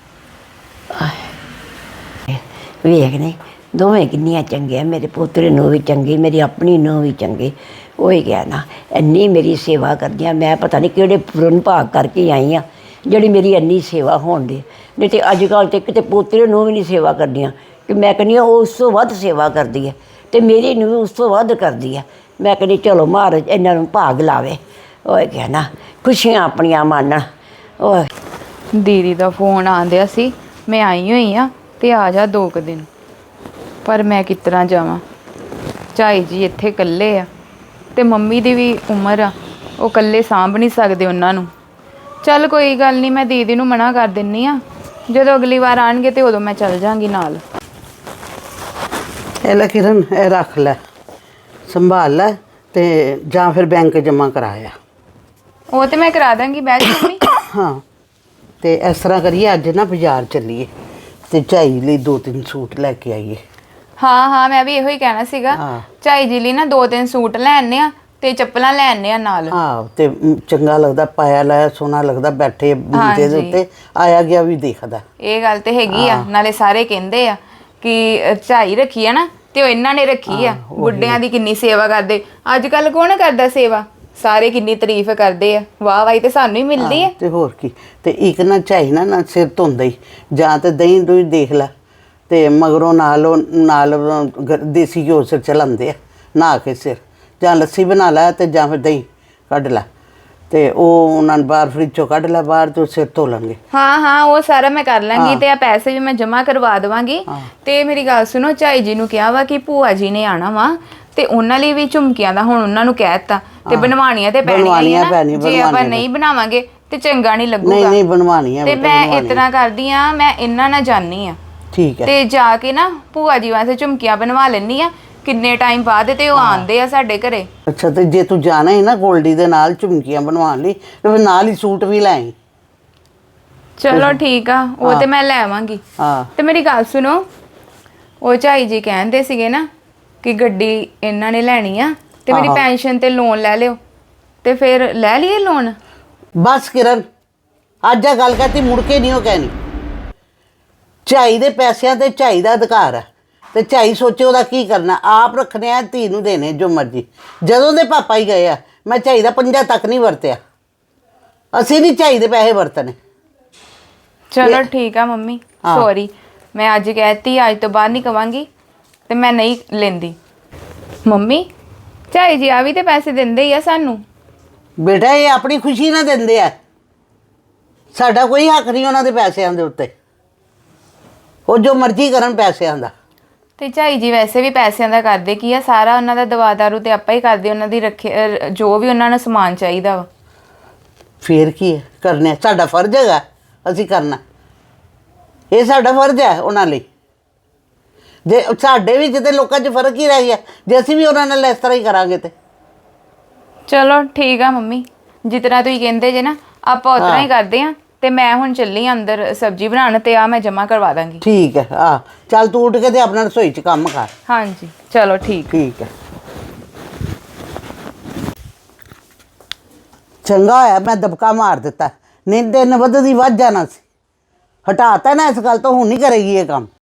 Speaker 1: ਵੇਖ ਨੇ ਦੋਵੇਂ ਕਿੰਨੀਆਂ ਚੰਗੀਆਂ, ਮੇਰੇ ਪੋਤਰੇ ਨੂੰ ਵੀ ਚੰਗੀ, ਮੇਰੀ ਆਪਣੀ ਨੂੰ ਵੀ ਚੰਗੀ। ਉਹੀ ਗਿਆ ਨਾ ਇੰਨੀ ਮੇਰੀ ਸੇਵਾ ਕਰਦੀਆਂ, ਮੈਂ ਪਤਾ ਨਹੀਂ ਕਿਹੜੇ ਪੁਰਨ ਭਾਗ ਕਰਕੇ ਆਈ ਆ ਜਿਹੜੀ ਮੇਰੀ ਇੰਨੀ ਸੇਵਾ ਹੋਣ ਦੀ। ਨਹੀਂ ਤੇ ਅੱਜ ਕੱਲ੍ਹ ਤੇ ਕਿਤੇ ਪੋਤਰੇ ਨੂੰ ਵੀ ਨਹੀਂ ਸੇਵਾ ਕਰਦੀਆਂ, ਕਿ ਮੈਂ ਕਹਿੰਦੀ ਹਾਂ ਉਹ ਉਸ ਤੋਂ ਵੱਧ ਸੇਵਾ ਕਰਦੀ ਹੈ, ਤੇ ਮੇਰੀ ਨੂੰ ਵੀ ਉਸ ਤੋਂ ਵੱਧ ਕਰਦੀ ਹੈ। ਮੈਂ ਕਹਿੰਦੀ ਚਲੋ ਮਹਾਰਾਜ ਇਹਨਾਂ ਨੂੰ ਭਾਗ ਲਾਵੇ। ਉਹ ਗਿਆ ਨਾ ਖੁਸ਼ੀਆਂ ਆਪਣੀਆਂ ਮਾਣਨ। ਉਹ
Speaker 3: ਦੀਦੀ ਦਾ ਫੋਨ ਆਂਦਿਆ ਸੀ, ਮੈਂ ਆਈ ਹੋਈ ਆ ਤੇ ਆ ਜਾ ਦੋ ਕੁ ਦਿਨ, ਪਰ ਮੈਂ ਕਿਸ ਤਰ੍ਹਾਂ ਜਾਵਾਂ? ਝਾਈ ਜੀ ਇੱਥੇ ਇਕੱਲੇ ਆ ਤੇ ਮੰਮੀ ਦੀ ਵੀ ਉਮਰ ਆ, ਉਹ ਇਕੱਲੇ ਸਾਂਭ ਨਹੀਂ ਸਕਦੇ ਉਹਨਾਂ ਨੂੰ। ਚੱਲ ਕੋਈ ਗੱਲ ਨਹੀਂ, ਮੈਂ ਦੀਦੀ ਨੂੰ ਮਨਾ ਕਰ ਦਿੰਨੀ ਆ, ਜਦੋਂ ਅਗਲੀ ਵਾਰ ਆਣਗੇ ਤੇ ਉਦੋਂ ਮੈਂ ਚੱਲ ਜਾਾਂਗੀ ਨਾਲ।
Speaker 2: ਇਹ ਲੈ ਕਿਰਨ, ਇਹ ਰੱਖ ਲੈ, ਸੰਭਾਲ ਲੈ, ਤੇ ਜਾਂ ਫਿਰ ਬੈਂਕ ਜਮ੍ਹਾਂ ਕਰਾਇਆ।
Speaker 3: ਉਹ ਤੇ ਮੈਂ ਕਰਾ ਦਾਂਗੀ ਬੈਗ ਮੰਮੀ।
Speaker 2: ਹਾਂ ਤੇ ਇਸ ਤਰ੍ਹਾਂ ਕਰੀਏ, ਅੱਜ ਨਾ ਬਾਜ਼ਾਰ ਚੱਲੀਏ ਤੇ ਝਾਈ ਲਈ ਦੋ ਤਿੰਨ ਸੂਟ ਲੈ ਕੇ ਆਈਏ।
Speaker 3: ਹਾਂ ਹਾਂ ਮੈਂ ਵੀ ਇਹੋ ਹੀ ਕਹਿਣਾ ਸੀਗਾ, ਝਾਈ ਜੀ ਲਈ ਨਾ ਦੋ ਤਿੰਨ ਸੂਟ ਲੈ ਆਨੇ ਆ, ਤੇ ਚੱਪਲਾਂ ਲੈ ਆਨੇ ਆ ਨਾਲ।
Speaker 2: ਹਾਂ ਤੇ ਮ, ਚੰਗਾ ਲੱਗਦਾ, ਪਾਇਆ ਲਾਇਆ ਸੋਹਣਾ ਲੱਗਦਾ, ਬੈਠੇ ਮੰਜੇ ਦੇ
Speaker 3: ਹਾਂਜੀ।
Speaker 2: ਉੱਤੇ ਆਇਆ ਗਿਆ ਵੀ ਦੇਖਦਾ।
Speaker 3: ਇਹ ਗੱਲ ਤੇ ਹੈਗੀ ਆ, ਨਾਲੇ ਸਾਰੇ ਕਹਿੰਦੇ ਆ ਕਿ ਅ, ਝਾਈ ਰੱਖੀ ਆ ਨਾ ਤੇ ਉਹ ਇਹਨਾਂ ਨੇ ਰੱਖੀ ਆ। ਬੁੱਢਿਆਂ ਦੀ ਕਿੰਨੀ ਸੇਵਾ ਕਰਦੇ, ਅੱਜ ਕੱਲ ਕੌਣ ਕਰਦਾ ਸੇਵਾ, ਸਾਰੇ ਕਿੰਨੀ ਤਾਰੀਫ ਕਰਦੇ ਆ, ਵਾਹ ਵਾਹੀ ਤੇ ਸਾਨੂੰ ਹੀ ਮਿਲਦੀ ਆ।
Speaker 2: ਤੇ ਹੋਰ ਕੀ। ਤੇ ਇੱਕ ਨਾ ਝਾਈ ਨਾ ਨਾ ਸਿਰ ਧੋਂਦਾ ਹੀ, ਜਾਂ ਤੇ ਦਹੀਂ ਦੂਈ ਦੇਖ ਲੈ, ਤੇ ਮਗਰੋਂ ਨਾਲ ਉਹ ਨਾਲ ਉਹ ਗ- ਦੇਸੀ ਘਿਓ ਸਿਰ ਚਲਾਉਂਦੇ ਆ ਨਹਾ ਕੇ ਸਿਰ, ਜਾਂ ਲੱਸੀ ਬਣਾ ਲੈ ਤੇ ਜਾਂ ਫਿਰ ਦਹੀਂ ਕੱਢ ਲੈ, ਤੇ ਉਹ ਉਹਨਾਂ ਨੂੰ ਬਾਹਰ ਫਰਿੱਜ ਚੋਂ ਕੱਢ ਲੈ ਬਾਹਰ, ਤੇ ਉਹ ਸਿਰ ਧੋ ਲੈਣਗੇ।
Speaker 3: ਹਾਂ ਹਾਂ ਉਹ ਸਾਰਾ ਮੈਂ ਕਰ ਲਾਂਗੀ ਤੇ ਆ ਪੈਸੇ ਵੀ ਮੈਂ ਜਮ੍ਹਾਂ ਕਰਵਾ ਦੇਵਾਂਗੀ। ਤੇ ਮੇਰੀ ਗੱਲ ਸੁਣੋ, ਝਾਈ ਜੀ ਨੂੰ ਕਿਹਾ ਵਾ ਕਿ ਭੂਆ ਜੀ ਨੇ ਆਣਾ ਵਾ ਤੇ ਉਹਨਾਂ ਲਈ ਵੀ ਝੁਮਕੀਆਂ ਦਾ ਹੁਣ ਉਹਨਾਂ ਨੂੰ ਕਹਿ ਦਿੱਤਾ, ਤੇ ਬਣਵਾਉਣੀਆਂ ਤੇ ਪੈਣੀਆਂ ਹੀ
Speaker 2: ਬਣਵਾਉਣੀਆਂ
Speaker 3: ਆ
Speaker 2: ਪੈਣੀਆਂ,
Speaker 3: ਨਾ। ਜੇ ਆਪਾਂ
Speaker 2: ਬਣਵਾਉਣੀਆਂ
Speaker 3: ਨਹੀਂ ਬਣਾਵਾਂਗੇ ਤੇ ਚੰਗਾ ਨਹੀਂ
Speaker 2: ਨਹੀਂ
Speaker 3: ਲੱਗੂਗਾ।
Speaker 2: ਨਹੀਂ ਬਣਵਾਉਣੀਆਂ
Speaker 3: ਤੇ
Speaker 2: ਬੇਟਾ,
Speaker 3: ਮੈਂ
Speaker 2: ਬਣਵਾਉਣੀਆਂ।
Speaker 3: ਇਤਨਾ ਕਰਦੀ ਆ, ਮੈਂ ਇਹਨਾਂ ਨਾਲ ਜਾਨੀ ਆ
Speaker 2: ਠੀਕ ਹੈ।
Speaker 3: ਤੇ ਜਾ ਕੇ ਨਾ ਭੂਆ ਜੀ ਵਾਸਤੇ ਝੁਮਕੀਆਂ ਬਣਵਾ ਲੈਣੀ ਆ। ਕਿੰਨੇ ਟਾਈਮ ਬਾਅਦ ਤੇ ਉਹ ਆਉਂਦੇ ਆ ਸਾਡੇ ਘਰੇ।
Speaker 2: ਅੱਛਾ, ਤੇ ਜੇ ਤੂੰ ਜਾਣਾ ਹੈ ਨਾ ਗੋਲਡੀ ਦੇ ਨਾਲ ਝੁਮਕੀਆਂ ਬਣਵਾਉਣ ਲਈ, ਤੇ ਫਿਰ ਨਾਲ ਹੀ ਸੂਟ ਵੀ ਲੈ ਆਈ।
Speaker 3: ਚਲੋ ਠੀਕ ਆ, ਉਹ ਤੇ ਮੈਂ ਲੈ ਆਵਾਂਗੀ।
Speaker 2: ਹਾਂ
Speaker 3: ਤੇ ਮੇਰੀ ਗੱਲ ਸੁਣੋ, ਉਹ ਝਾਈ ਜੀ ਕਹਿੰਦੇ ਸੀਗੇ ਨਾ ਕਿ ਗੱਡੀ ਇਹਨਾਂ ਨੇ ਲੈਣੀ ਆ ਤੇ ਮੇਰੀ
Speaker 2: ਆਹੋ।
Speaker 3: ਪੈਨਸ਼ਨ ਤੇ ਲੋਨ ਲੈ ਲਿਓ, ਤੇ ਫਿਰ ਲੈ ਲਈਏ ਲੋਨ।
Speaker 2: ਬਸ ਕਿਰਨ, ਅੱਜ ਆ ਗੱਲ ਕਹਤੀ, ਮੁੜ ਕੇ ਨਹੀਂ ਉਹ ਕਹਿਣੀ। ਝਾਈ ਦੇ ਪੈਸਿਆਂ ਤੇ ਝਾਈ ਦਾ ਅਧਿਕਾਰ ਹੈ, ਤੇ ਝਾਈ ਸੋਚੇ ਉਹਦਾ ਕੀ ਕਰਨਾ, ਆਪ ਰੱਖਣੇ ਆ, ਧੀ ਨੂੰ ਦੇਣੇ ਜੋ ਮਰਜ਼ੀ। ਜਦੋਂ ਦੇ ਪਾਪਾ ਹੀ ਗਏ ਆ, ਮੈਂ ਝਾਈ ਦਾ ਪੰਜਾ ਤੱਕ ਨਹੀਂ ਵਰਤਿਆ। ਅਸੀਂ ਨਹੀਂ ਝਾਈ ਦੇ ਪੈਸੇ ਵਰਤਣੇ।
Speaker 3: ਚਲੋ ਠੀਕ ਆ ਮੰਮੀ,
Speaker 2: ਹਾਂ।
Speaker 3: ਸੌਰੀ, ਮੈਂ ਅੱਜ ਕਹਿਤੀ, ਅੱਜ ਤੋਂ ਬਾਅਦ ਨਹੀਂ ਕਵਾਂਗੀ ਤੇ ਮੈਂ ਨਹੀਂ ਲੈਂਦੀ। ਮੰਮੀ, ਝਾਈ ਜੀ ਆ ਵੀ ਤੇ ਪੈਸੇ ਦਿੰਦੇ ਹੀ ਆ ਸਾਨੂੰ।
Speaker 2: ਬੇਟਾ ਇਹ ਆਪਣੀ ਖੁਸ਼ੀ ਨਾਲ ਦਿੰਦੇ ਆ, ਸਾਡਾ ਕੋਈ ਹੱਕ ਨਹੀਂ ਉਹਨਾਂ ਦੇ ਪੈਸਿਆਂ ਦੇ ਉੱਤੇ। ਉਹ ਜੋ ਮਰਜ਼ੀ ਕਰਨ ਪੈਸਿਆਂ ਦਾ।
Speaker 3: ਤੇ ਝਾਈ ਜੀ ਵੈਸੇ ਵੀ ਪੈਸਿਆਂ ਦਾ ਕਰਦੇ ਕੀ ਆ, ਸਾਰਾ ਉਹਨਾਂ ਦਾ ਦਵਾ ਦਾਰੂ ਤੇ ਆਪਾਂ ਹੀ ਕਰਦੇ, ਉਹਨਾਂ ਦੀ ਰੱਖੇ ਅਹ ਜੋ ਵੀ ਉਹਨਾਂ ਨੂੰ ਸਮਾਨ ਚਾਹੀਦਾ ਵਾ।
Speaker 2: ਫੇਰ ਕੀ ਹੈ, ਕਰਨੇ ਆ। ਸਾਡਾ ਫਰਜ਼ ਹੈਗਾ, ਅਸੀਂ ਕਰਨਾ। ਇਹ ਸਾਡਾ ਫਰਜ਼ ਹੈ ਉਹਨਾਂ ਲਈ। ਜੇ ਸਾਡੇ ਵਿੱਚ ਤੇ ਲੋਕਾਂ 'ਚ ਫਰਕ ਹੀ ਰਹਿ ਗਿਆ, ਜੇ ਅਸੀਂ ਵੀ ਉਹਨਾਂ ਨਾਲ ਇਸ ਤਰ੍ਹਾਂ ਹੀ ਕਰਾਂਗੇ ਤੇ।
Speaker 3: ਚਲੋ ਠੀਕ ਆ ਮੰਮੀ, ਜਿਸ ਤਰ੍ਹਾਂ ਤੁਸੀਂ ਕਹਿੰਦੇ ਜੇ ਨਾ ਆਪਾਂ ਉਸ ਤਰ੍ਹਾਂ ਹੀ ਕਰਦੇ ਆ। ਤੇ ਮੈਂ ਹੁਣ ਚੱਲੀ ਆਂ ਅੰਦਰ ਸਬਜ਼ੀ ਬਣਾਉਣ, ਤੇ ਆ ਮੈਂ ਜਮ੍ਹਾਂ ਕਰਵਾ ਦਾਂਗੀ।
Speaker 2: ਠੀਕ ਹੈ। ਆ ਚੱਲ ਤੂੰ ਉੱਠ ਕੇ ਤੇ ਆਪਣਾ ਰਸੋਈ 'ਚ ਕੰਮ ਕਰ।
Speaker 3: ਹਾਂਜੀ ਚਲੋ ਠੀਕ।
Speaker 2: ਠੀਕ ਹੈ। ਚੰਗਾ ਹੋਇਆ ਮੈਂ ਦਬਕਾ ਮਾਰ ਦਿੱਤਾ, ਨਹੀਂ ਦਿਨ ਵੱਧਦੀ ਵੱਧ ਜਾਣਾ ਸੀ। ਹਟਾਤਾ ਨਾ ਇਸ ਗੱਲ ਤੋਂ, ਹੁਣ ਨਹੀਂ ਕਰੇਗੀ ਇਹ ਕੰਮ।